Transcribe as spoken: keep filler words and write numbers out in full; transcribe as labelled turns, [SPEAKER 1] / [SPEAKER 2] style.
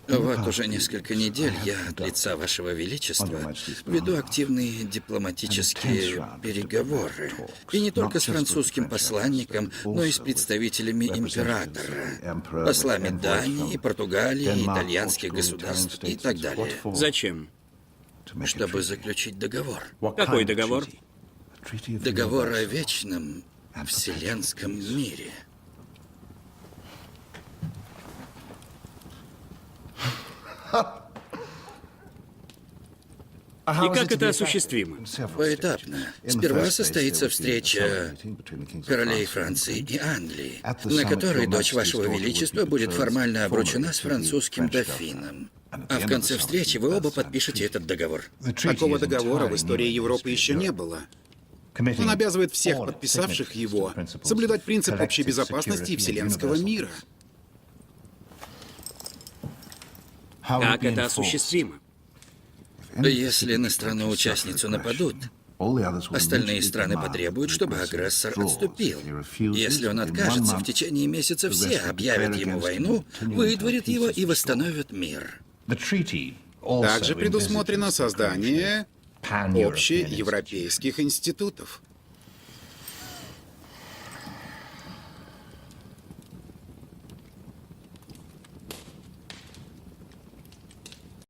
[SPEAKER 1] Вот уже несколько недель я от лица Вашего Величества веду активные дипломатические переговоры. И не только с французским посланником, но и с представителями императора, послами Дании, Португалии, итальянских государств и так далее,
[SPEAKER 2] Зачем?
[SPEAKER 1] чтобы заключить договор.
[SPEAKER 2] Какой договор?
[SPEAKER 1] Договор о вечном вселенском мире.
[SPEAKER 2] И как это осуществимо?
[SPEAKER 1] Поэтапно. Сперва состоится встреча королей Франции и Англии, на которой дочь Вашего Величества будет формально обручена с французским дофином. А в конце встречи вы оба подпишете этот договор.
[SPEAKER 3] Такого договора в истории Европы еще не было. Он обязывает всех подписавших его соблюдать принцип общей безопасности и вселенского мира.
[SPEAKER 2] Как это осуществимо?
[SPEAKER 1] Если на страну-участницу нападут, остальные страны потребуют, чтобы агрессор отступил. Если он откажется, в течение месяца все объявят ему войну, выдворят его и восстановят мир.
[SPEAKER 3] Также предусмотрено создание общеевропейских институтов.